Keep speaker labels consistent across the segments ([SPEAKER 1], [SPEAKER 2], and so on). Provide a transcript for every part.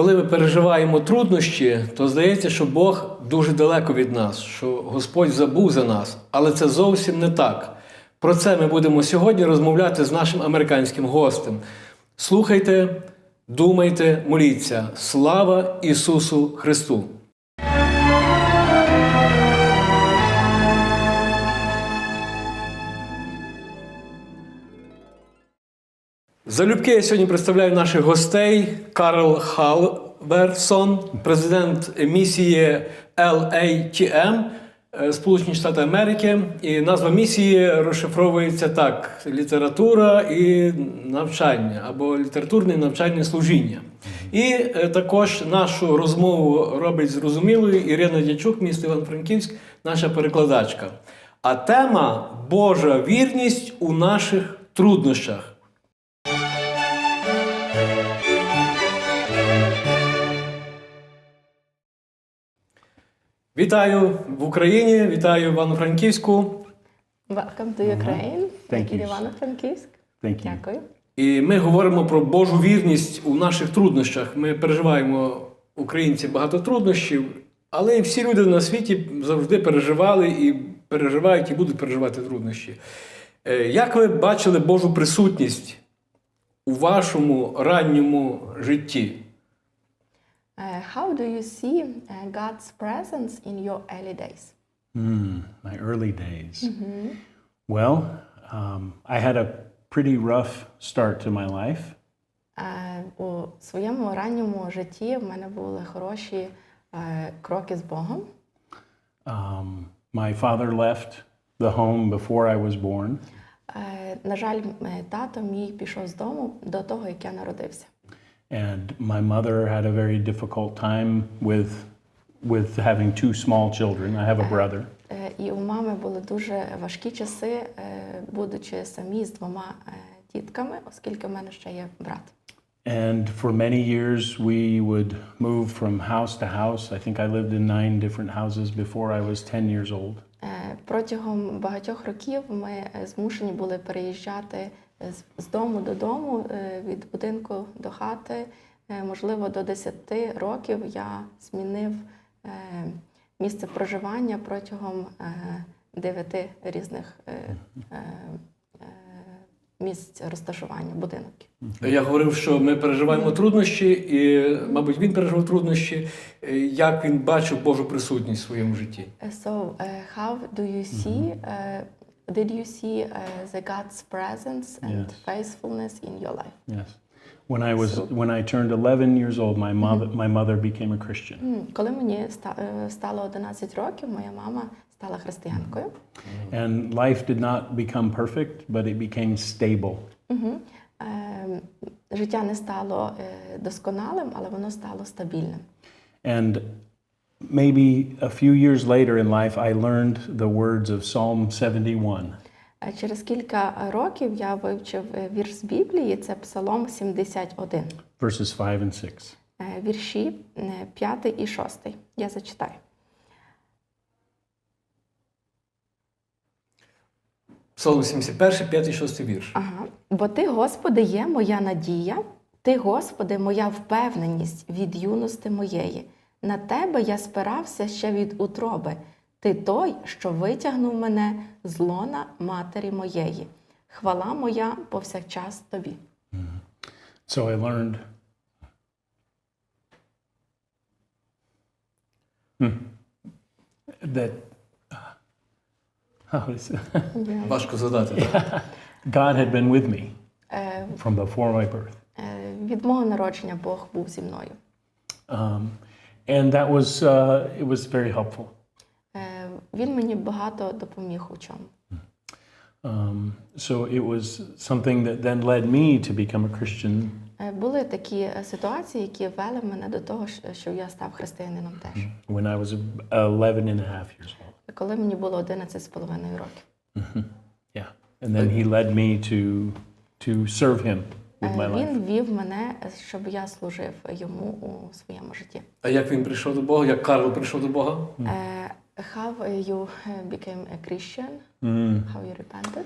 [SPEAKER 1] Коли ми переживаємо труднощі, то здається, що Бог дуже далеко від нас, що Господь забув за нас. Але це зовсім не так. Про це ми будемо сьогодні розмовляти з нашим американським гостем. Слухайте, думайте, моліться. Слава Ісусу Христу! Залюбки я сьогодні представляю наших гостей. Карл Халверсон, президент місії LATM, Сполучені Штати Америки. І назва місії розшифровується так: література і навчання, або літературне і навчальне служіння. І також нашу розмову робить зрозумілою Ірина Дячук, місто Івано-Франківськ, наша перекладачка. А тема – Божа вірність у наших труднощах. Вітаю в Україні, вітаю в Івано-Франківську.
[SPEAKER 2] Welcome to Ukraine.
[SPEAKER 3] Thank you.
[SPEAKER 2] Івано-Франківськ.
[SPEAKER 3] Thank you.
[SPEAKER 2] Дякую.
[SPEAKER 1] І ми говоримо про Божу вірність у наших труднощах. Ми переживаємо, українці, багато труднощів, але і всі люди на світі завжди переживали і переживають, і будуть переживати труднощі. Як ви бачили Божу присутність у вашому ранньому житті?
[SPEAKER 2] How do you see God's presence in your early days?
[SPEAKER 3] My early days. Well, I had a pretty rough start to my life.
[SPEAKER 2] У своєму ранньому житті в мене були хороші кроки з Богом.
[SPEAKER 3] My father left the home before I was born.
[SPEAKER 2] На жаль, тато мій пішов з дому до того, як я народився.
[SPEAKER 3] And my mother had a very difficult time with having two small children. I have a brother.
[SPEAKER 2] І у мами були дуже важкі часи, будучи самі з двома дітками, оскільки в мене ще є брат.
[SPEAKER 3] And for many years we would move from house to house. I think I lived in 9 different houses before I was 10 years old.
[SPEAKER 2] Протягом багатьох років ми змушені були переїжджати з дому до дому, від будинку до хати. Можливо, до 10 років я змінив місце проживання протягом 9 різних місць розташування будинків.
[SPEAKER 1] Я говорив, що ми переживаємо труднощі, і, мабуть, він переживав труднощі. Як він бачив Божу присутність в своєму житті?
[SPEAKER 2] So, how do you see, did you see the God's presence and
[SPEAKER 3] Yes.
[SPEAKER 2] faithfulness in your life?
[SPEAKER 3] Yes. When I turned 11 years old, my mother became a Christian.
[SPEAKER 2] Коли мені стало 11 років, моя мама стала християнкою.
[SPEAKER 3] And life did not become perfect, but it became stable.
[SPEAKER 2] Життя не стало досконалим, але воно стало стабільним.
[SPEAKER 3] And maybe a few years later in life, I learned the words of Psalm 71.
[SPEAKER 2] Через кілька років я вивчив вірш з Біблії, це Псалом 71.
[SPEAKER 3] Verses 5 and 6.
[SPEAKER 2] Вірші 5 і 6. Я зачитаю.
[SPEAKER 1] Псалом 71, 5 і 6 вірш.
[SPEAKER 2] Ага. Бо ти, Господи, є моя надія, ти, Господи, моя впевненість від юності моєї. На тебе я спирався ще від утроби. Ти той, що витягнув мене з лона матері моєї. Хвала моя повсякчас тобі.
[SPEAKER 3] So I learned that how is it?
[SPEAKER 1] Важко задати. Так?
[SPEAKER 3] God had been with me from before my birth.
[SPEAKER 2] Від мого народження Бог був зі мною.
[SPEAKER 3] And that was it was very helpful.
[SPEAKER 2] Він мені багато допоміг у чому.
[SPEAKER 3] So it was something that then led me to become a Christian.
[SPEAKER 2] Були такі ситуації, які вели мене до того, що я став християнином теж.
[SPEAKER 3] When I was 11 and a half years old.
[SPEAKER 2] Коли мені було 11,5 років.
[SPEAKER 3] Yeah. And then he led me to serve him with my life.
[SPEAKER 2] Він вів мене, щоб я служив йому у своєму житті.
[SPEAKER 1] А як він прийшов до Бога? Як Карл прийшов до Бога?
[SPEAKER 2] How you became a Christian? How you repented?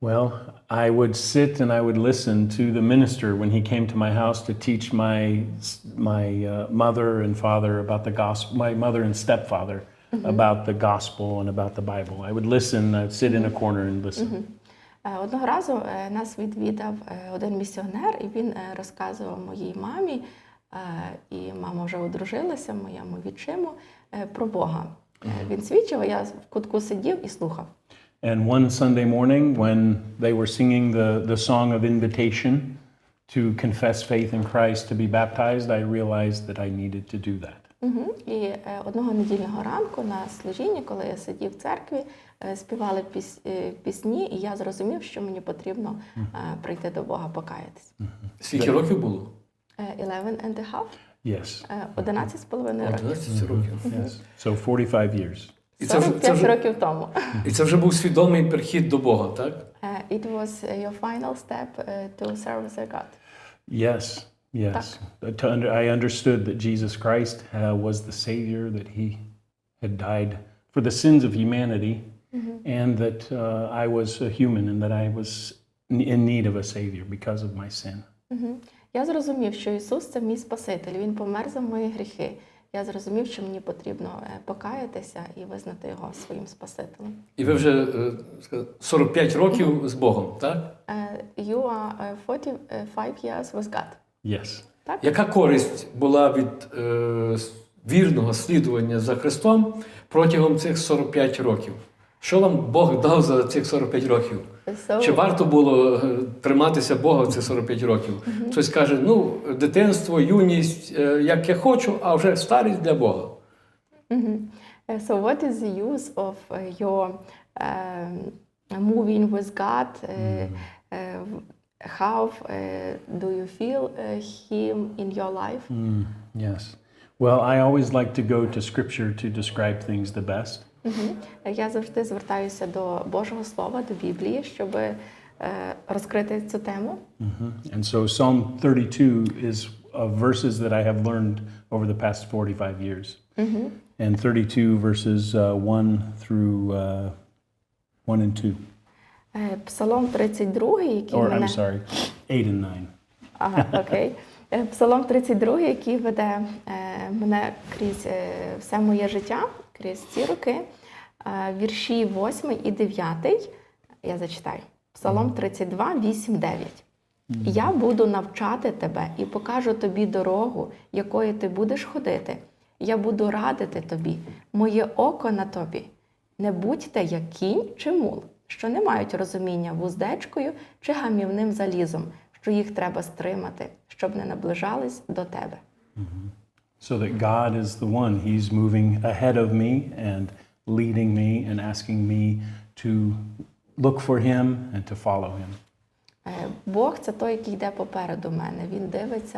[SPEAKER 3] Well, I would sit and I would listen to the minister when he came to my house to teach my mother and father about the gospel, my mother and stepfather about the gospel and about the Bible. I would listen, I'd sit in a corner and listen.
[SPEAKER 2] Одного разу нас відвідав один місіонер, і він розказував моїй мамі, і мама вже одружилася, моєму відчиму, про Бога. Він свідчив, а я в кутку сидів і слухав.
[SPEAKER 3] And one Sunday morning, when they were singing the song of invitation to confess faith in Christ, to be baptized, I realized that I needed to do that.
[SPEAKER 2] І одного недільного ранку на служінні, коли я сидів в церкві, співали пісні, і я зрозумів, що мені потрібно прийти до Бога, покаятись.
[SPEAKER 1] Скільки років було?
[SPEAKER 2] 11 and a half?
[SPEAKER 3] Yes.
[SPEAKER 2] 11 з половиною років.
[SPEAKER 1] 11 років.
[SPEAKER 3] Yes. So 45 years.
[SPEAKER 1] І
[SPEAKER 2] 45 років тому.
[SPEAKER 1] І це вже був свідомий перехід до Бога, так?
[SPEAKER 2] It was your final step to serve their God.
[SPEAKER 3] Yes, yes. I understood that Jesus Christ was the Savior, that He had died for the sins of humanity, and that I was a human and that I was in need of a Savior because of my sin.
[SPEAKER 2] Я зрозумів, що Ісус – це мій Спаситель, Він помер за мої гріхи. Я зрозумів, що мені потрібно покаятися і визнати Його своїм Спасителем.
[SPEAKER 1] І ви вже 45 років з Богом, так?
[SPEAKER 2] You are 45 years with God.
[SPEAKER 3] Yes.
[SPEAKER 2] Так?
[SPEAKER 1] Яка користь була від вірного слідування за Христом протягом цих 45 років? Що вам Бог дав за цих 45 років? Чи варто було триматися Бога в цих 45 років? Хтось каже, ну, дитинство, юність, як я хочу, а вже старість для Бога.
[SPEAKER 2] So what is the use of your moving with God? How do you feel Him in your life?
[SPEAKER 3] Yes. Well, I always like to go to Scripture to describe things the best.
[SPEAKER 2] Я завжди звертаюся до Божого Слова, до Біблії, щоб розкрити цю тему.
[SPEAKER 3] And so Psalm 32 is verses that I have learned over the past 45 years. And 32 verses 1 through 1 and 2.
[SPEAKER 2] Псалом 32, який
[SPEAKER 3] Or,
[SPEAKER 2] мене...
[SPEAKER 3] I'm sorry, 8 and 9.
[SPEAKER 2] Ага, окей. Псалом 32, який веде мене крізь все моє життя, крізь ці роки. Вірші 8 і 9, я зачитаю. Псалом 32, 8, 9. «Я буду навчати тебе і покажу тобі дорогу, якою ти будеш ходити. Я буду радити тобі, моє око на тобі. Не будьте, як кінь чи мул, що не мають розуміння вуздечкою чи гамівним залізом, що їх треба стримати, щоб не наближались до тебе».
[SPEAKER 3] So that God is the one, He's moving ahead of me and leading me and asking me to look for Him and to follow Him.
[SPEAKER 2] Бог – це той, який йде попереду мене. Він дивиться,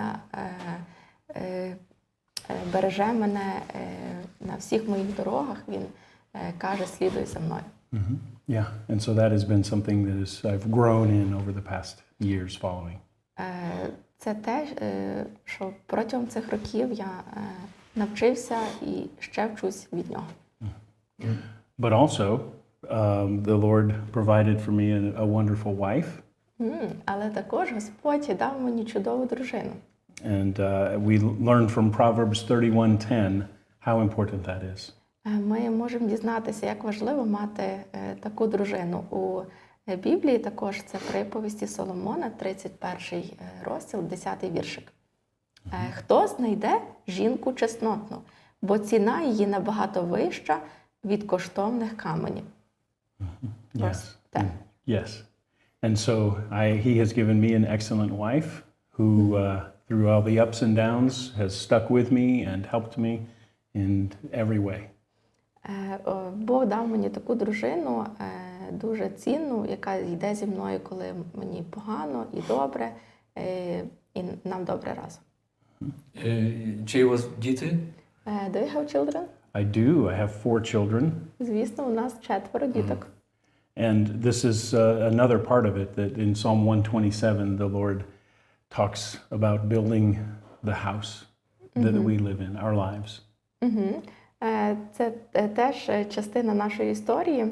[SPEAKER 2] береже мене на всіх моїх дорогах. Він каже, слідуй за мною.
[SPEAKER 3] Yeah, and so that has been something that I've grown in over the past years following.
[SPEAKER 2] Це те, що протягом цих років я навчився і ще вчусь від нього.
[SPEAKER 3] But also, the Lord provided for me a wonderful wife.
[SPEAKER 2] Але також Господь дав мені чудову дружину.
[SPEAKER 3] And we learned from Proverbs 31:10 how important that is.
[SPEAKER 2] Ми можемо дізнатися, як важливо мати таку дружину. У Біблії також це приповісті Соломона, 31 розділ, 10 віршик. «Хто знайде жінку чеснотну, бо ціна її набагато вища від коштовних каменів».
[SPEAKER 3] Yes.
[SPEAKER 2] Так.
[SPEAKER 3] Yes. And so He has given me an excellent wife who, through all the ups and downs, has stuck with me and helped me in every way.
[SPEAKER 2] Бог дав мені таку дружину, дуже цінну, яка йде зі мною, коли мені погано і добре, і нам добре разом.
[SPEAKER 1] Чи у вас діти?
[SPEAKER 2] Do you have children?
[SPEAKER 3] I do. I have 4 children.
[SPEAKER 2] Звісно, у нас 4 діток.
[SPEAKER 3] And this is another part of it, that in Psalm 127, the Lord talks about building the house that we live in, our lives.
[SPEAKER 2] Це теж частина нашої історії.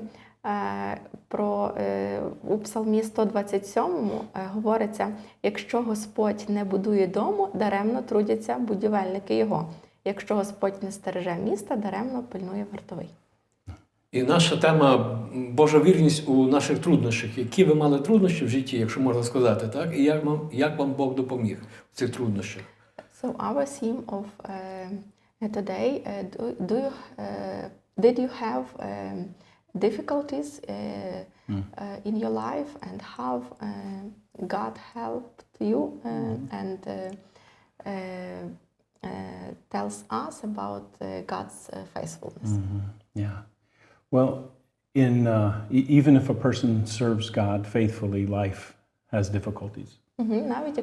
[SPEAKER 2] У Псалмі 127 говориться: якщо Господь не будує дому, даремно трудяться будівельники його. Якщо Господь не стереже міста, даремно пильнує вартовий.
[SPEAKER 1] І наша тема Божа вірність у наших труднощах. Які ви мали труднощі в житті, якщо можна сказати, так? І як вам Бог допоміг в цих труднощах?
[SPEAKER 2] So our theme of today, did you have difficulties in your life, and how God helped you and tells us about God's faithfulness?
[SPEAKER 3] Yeah. Well, even if a person serves God faithfully, life has difficulties.
[SPEAKER 2] Навіть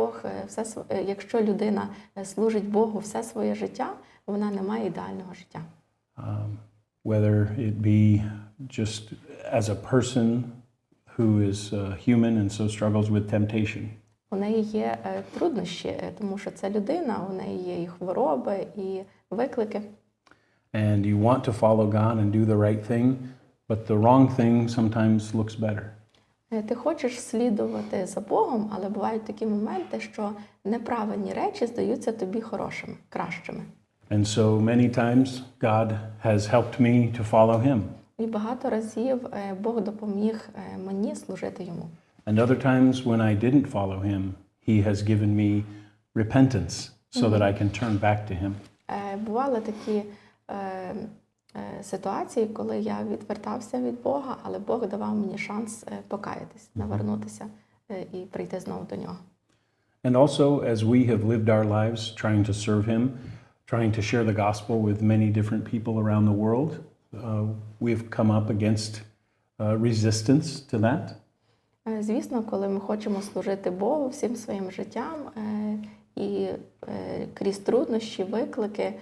[SPEAKER 2] якщо людина служить Богу все своє життя, вона не має ідеального життя.
[SPEAKER 3] Whether it be just as a person who is human and so struggles with temptation.
[SPEAKER 2] У неї є труднощі, тому що це людина, у неї є і хвороби, і виклики.
[SPEAKER 3] And you want to follow God and do the right thing, but the wrong thing sometimes looks better.
[SPEAKER 2] Ти хочеш слідувати за Богом, але бувають такі моменти, що неправильні речі здаються тобі хорошими, кращими.
[SPEAKER 3] And so many times God has helped me to follow him.
[SPEAKER 2] І багато разів Бог допоміг мені служити йому.
[SPEAKER 3] And other times when I didn't follow him, he has given me repentance so that I can turn back to him.
[SPEAKER 2] Бували такі ситуації, коли я відвертався від Бога, але Бог давав мені шанс покаятись, навернутися і прийти знову до нього.
[SPEAKER 3] And also, as we have lived our lives trying to serve him, trying to share the gospel with many different people around the world, we've come up against resistance to that.
[SPEAKER 2] Звісно, коли ми хочемо служити Богу всім своїм життям і крізь труднощі, виклики,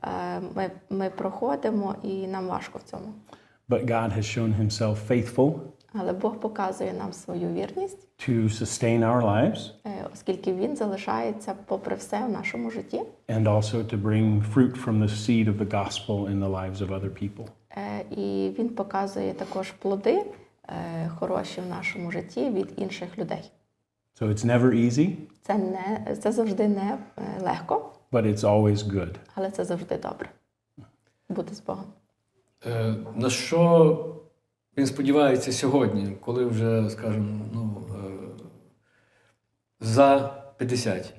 [SPEAKER 2] ми проходимо і нам важко в цьому.
[SPEAKER 3] But God has shown himself faithful
[SPEAKER 2] Але Бог показує нам свою вірність,
[SPEAKER 3] to sustain our lives
[SPEAKER 2] оскільки Він залишається попри все в нашому житті.
[SPEAKER 3] and also to bring fruit from the seed of the gospel in the lives of other people.
[SPEAKER 2] І Він показує також плоди хороші в нашому житті від інших людей.
[SPEAKER 3] So it's never easy,
[SPEAKER 2] Це завжди не легко,
[SPEAKER 3] but it's always good.
[SPEAKER 2] але це завжди добре. Бути з Богом.
[SPEAKER 1] На що він сподівається сьогодні, коли вже, скажімо, за 50?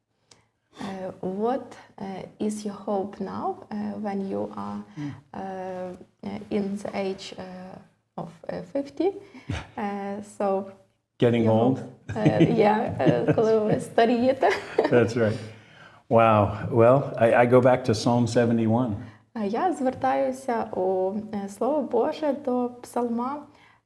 [SPEAKER 2] What is your hope now when you are in the age of 50? So
[SPEAKER 3] Getting
[SPEAKER 2] your
[SPEAKER 3] old?
[SPEAKER 2] hope, коли ви старієте.
[SPEAKER 3] That's right. Wow. Well, I go back to Psalm 71.
[SPEAKER 2] Я звертаюся у Слово Боже до Псалма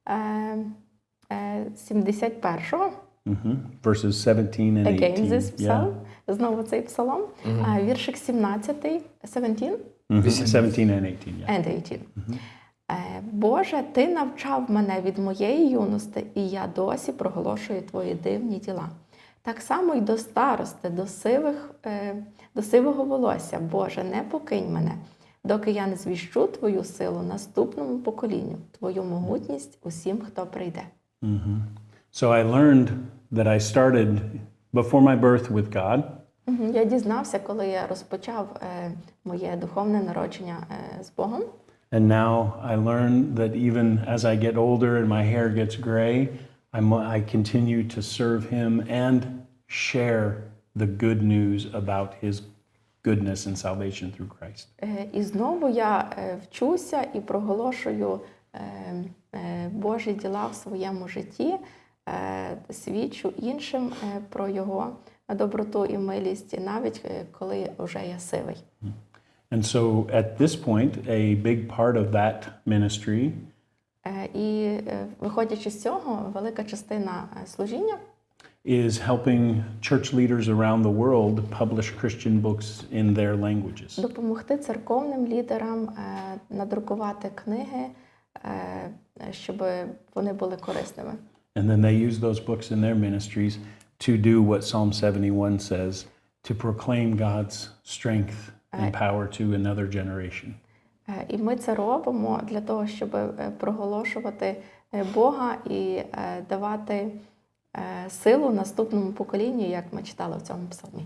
[SPEAKER 2] 71-го.
[SPEAKER 3] Verses 17 and 18.
[SPEAKER 2] Again, this
[SPEAKER 3] Yeah.
[SPEAKER 2] psalm. Знову цей псалом. Віршик 17, 17
[SPEAKER 3] 17 and 18, yeah.
[SPEAKER 2] and 18. Боже, Ти навчав мене від моєї юності, і я досі проголошую Твої дивні діла. Так само й до старости, до сивого волосся. Боже, не покинь мене, доки я не звіщу Твою силу наступному поколінню, Твою могутність усім, хто прийде.
[SPEAKER 3] So I learned that I started before my birth with God,
[SPEAKER 2] Я дізнався, коли я розпочав моє духовне народження з Богом.
[SPEAKER 3] and now I learn that even as I get older and my hair gets gray, I continue to serve him and share the good news about his goodness and salvation through Christ.
[SPEAKER 2] І знову я вчуся і проголошую Божі діла в своєму житті, свідчу іншим про Його доброту і милість, навіть коли вже я сивий.
[SPEAKER 3] And so at this point, a big part of that ministry
[SPEAKER 2] І виходячи з цього, велика частина служіння
[SPEAKER 3] is helping church leaders around the world publish Christian books in their languages.
[SPEAKER 2] допомогти церковним лідерам надрукувати книги, щоб вони були корисними.
[SPEAKER 3] And then they use those books in their ministries to do what Psalm 71 says, to proclaim God's strength and power to another generation.
[SPEAKER 2] І ми це робимо для того, щоб проголошувати Бога і давати силу наступному поколінню, як ми читали в цьому псалмі.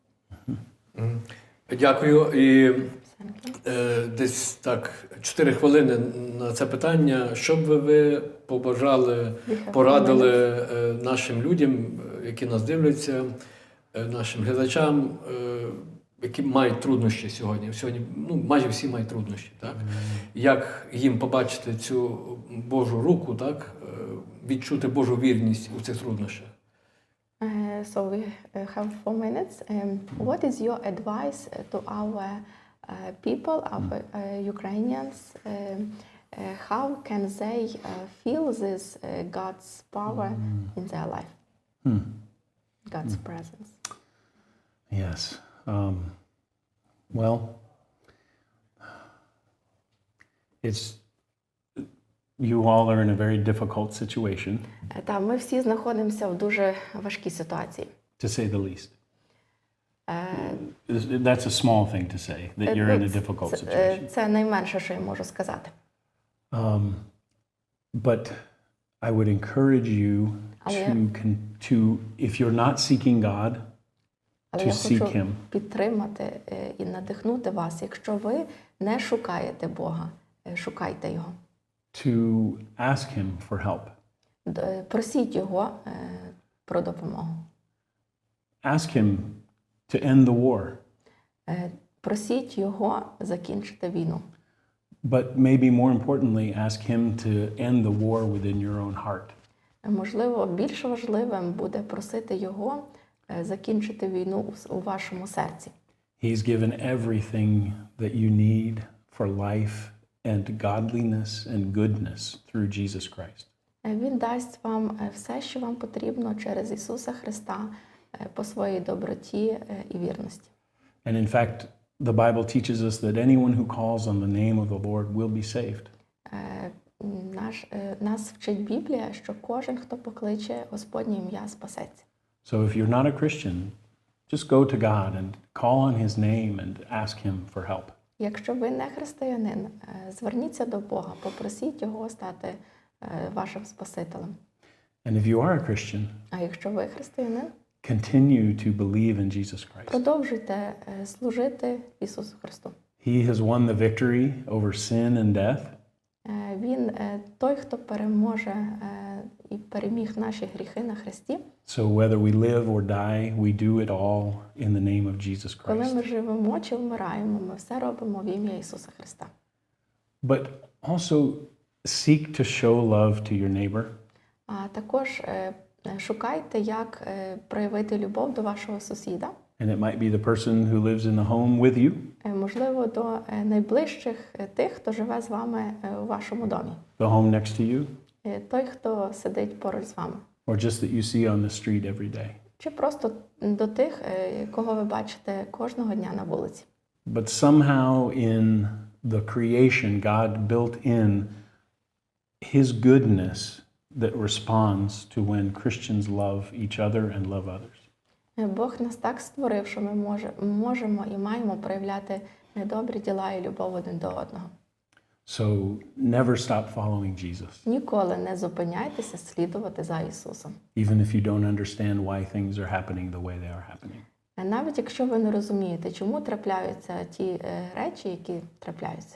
[SPEAKER 1] Дякую. І десь так 4 хвилини на це питання. Що б ви побажали, порадили нашим людям, які нас дивляться, нашим глядачам, які мають труднощі сьогодні? Сьогодні майже всі мають труднощі. Так? Як їм побачити цю Божу руку, так? Відчути Божу вірність у цих труднощах?
[SPEAKER 2] So we have 4 minutes. What is your advice to our people, our Ukrainians? How can they feel this God's power in their life? God's presence.
[SPEAKER 3] Yes. Well, you all are in a very difficult situation,
[SPEAKER 2] Та ми всі знаходимося в дуже важкій ситуації.
[SPEAKER 3] to say the least. That's a small thing to say, that you're in a difficult situation.
[SPEAKER 2] Це найменше, що я можу сказати.
[SPEAKER 3] But I would encourage you to, if you're not seeking God,
[SPEAKER 2] Але
[SPEAKER 3] to
[SPEAKER 2] я
[SPEAKER 3] seek
[SPEAKER 2] хочу
[SPEAKER 3] Him.
[SPEAKER 2] підтримати і надихнути вас. Якщо ви не шукаєте Бога, шукайте Його.
[SPEAKER 3] To ask Him for help.
[SPEAKER 2] Просіть Його про допомогу.
[SPEAKER 3] Ask Him to end the war.
[SPEAKER 2] Просіть Його закінчити війну.
[SPEAKER 3] But maybe more importantly, ask Him to end the war within your own heart.
[SPEAKER 2] Можливо, більш важливим буде просити Його закінчити війну у вашому серці.
[SPEAKER 3] He's given everything that you need for life and godliness and goodness through Jesus Christ.
[SPEAKER 2] Він дасть вам все, що вам потрібно через Ісуса Христа по своїй доброті і вірності.
[SPEAKER 3] And in fact, the Bible teaches us that anyone who calls on the name of the Lord will be saved.
[SPEAKER 2] Нас вчить Біблія, що кожен, хто покличе Господнє ім'я, спасеться.
[SPEAKER 3] So if you're not a Christian, just go to God and call on His name and ask Him for help.
[SPEAKER 2] Якщо ви не християнин, зверніться до Бога, попросіть Його стати вашим Спасителем.
[SPEAKER 3] And if you are a Christian,
[SPEAKER 2] А якщо ви християнин,
[SPEAKER 3] continue to believe in Jesus Christ.
[SPEAKER 2] продовжуйте служити Ісусу Христу.
[SPEAKER 3] He has won the victory over sin and death.
[SPEAKER 2] Він той, хто переможе і переміг наші гріхи на Христі.
[SPEAKER 3] So whether we live or die, we do it all in the name of Jesus
[SPEAKER 2] Коли
[SPEAKER 3] Christ.
[SPEAKER 2] ми живемо чи вмираємо, ми все робимо в ім'я Ісуса Христа.
[SPEAKER 3] But also seek to show love to your neighbor.
[SPEAKER 2] А також шукайте, як проявити любов до вашого сусіда.
[SPEAKER 3] And it might be the person who lives in the home with you,
[SPEAKER 2] Можливо, до найближчих тих, хто живе з вами у вашому домі.
[SPEAKER 3] the home next to you,
[SPEAKER 2] Той, хто сидить поруч з вами.
[SPEAKER 3] or just that you see on the street every day.
[SPEAKER 2] Чи просто до тих, кого ви бачите кожного дня на вулиці.
[SPEAKER 3] But somehow in the creation, God built in His goodness that responds to when Christians love each other and love others.
[SPEAKER 2] Бог нас так створив, що ми можемо і маємо проявляти добрі діла і любов один до одного.
[SPEAKER 3] So never stop following Jesus,
[SPEAKER 2] Ніколи не зупиняйтеся слідувати за Ісусом.
[SPEAKER 3] even if you don't understand why things are happening the way they are happening.
[SPEAKER 2] Навіть якщо ви не розумієте, чому трапляються ті речі, які трапляються.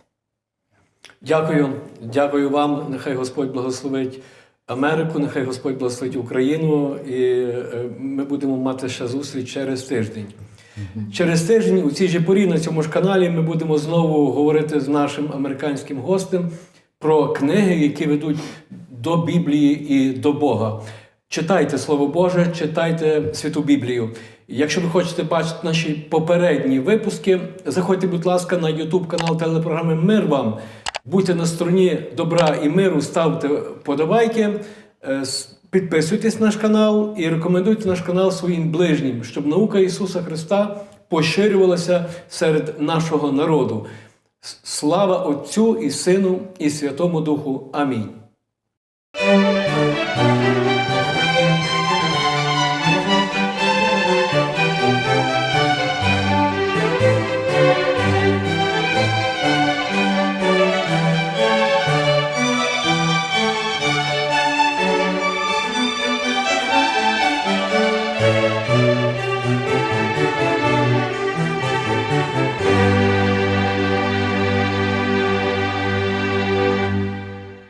[SPEAKER 1] Дякую. Дякую вам. Нехай Господь благословить Америку, нехай Господь благословить Україну. І ми будемо мати ще зустріч через тиждень. Через тиждень у цій же порі на цьому ж каналі ми будемо знову говорити з нашим американським гостем про книги, які ведуть до Біблії і до Бога. Читайте Слово Боже, читайте Святу Біблію. Якщо ви хочете бачити наші попередні випуски, заходьте, будь ласка, на YouTube канал телепрограми «Мир вам». Будьте на стороні добра і миру, ставте подобайки, підписуйтесь на наш канал і рекомендуйте наш канал своїм ближнім, щоб наука Ісуса Христа поширювалася серед нашого народу. Слава Отцю і Сину і Святому Духу. Амінь.